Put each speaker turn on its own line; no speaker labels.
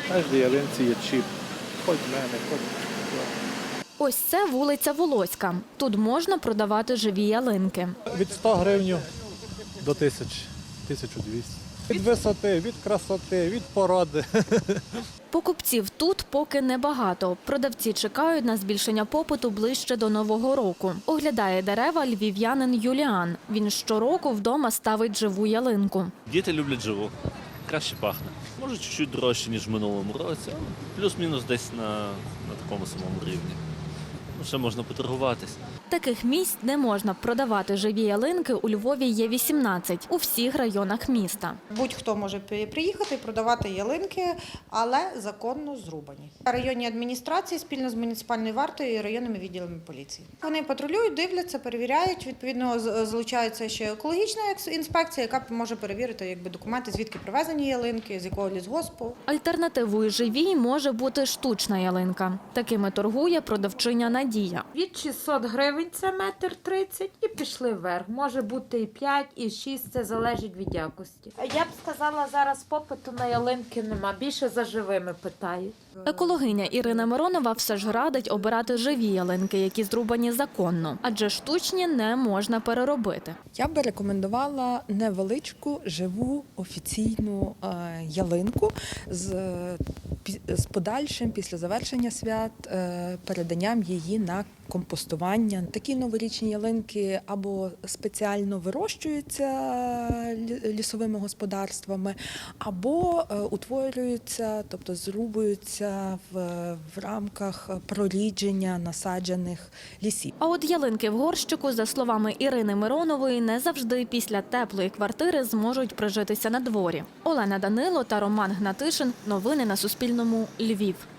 кожній ялинці є чіп. Хоч в мене, хоч.
Ось це вулиця Волоська. Тут можна продавати живі ялинки.
Від 100 гривень до 1000, 1200. Від висоти, від красоти, від породи.
Покупців тут поки небагато. Продавці чекають на збільшення попиту ближче до Нового року. Оглядає дерева львів'янин Юліан. Він щороку вдома ставить живу ялинку.
Діти люблять живу, краще пахне. Може, чуть-чуть дорожче, ніж в минулому році, але плюс-мінус десь на такому самому рівні. Ну, ще можна поторгуватись.
Таких місць, де можна продавати живі ялинки, у Львові є 18 у всіх районах міста.
Будь-хто може приїхати і продавати ялинки, але законно зрубані. Районні адміністрації спільно з муніципальною вартою і районними відділами поліції. Вони патрулюють, дивляться, перевіряють. Відповідно, залучається ще екологічна інспекція, яка може перевірити документи, звідки привезені ялинки, з якого лісгоспу.
Альтернативою живій може бути штучна ялинка. Такими торгує продавчиня Надія.
Від 600 гривень це 1,30 м і пішли вверх. Може бути і 5, і 6, це залежить від якості. Я б сказала, зараз попиту на ялинки нема, більше за живими питають.
Екологиня Ірина Миронова все ж радить обирати живі ялинки, які зрубані законно, адже штучні не можна переробити.
Я би рекомендувала невеличку, живу, офіційну ялинку з подальшим, після завершення свят, переданням її на компостування. Такі новорічні ялинки або спеціально вирощуються лісовими господарствами, або утворюються, тобто зрубуються в рамках прорідження насаджених лісів.
А от ялинки в горщику, за словами Ірини Миронової, не завжди після теплої квартири зможуть прижитися на дворі. Олена Данило та Роман Гнатишин. Новини на Суспільному. Львів.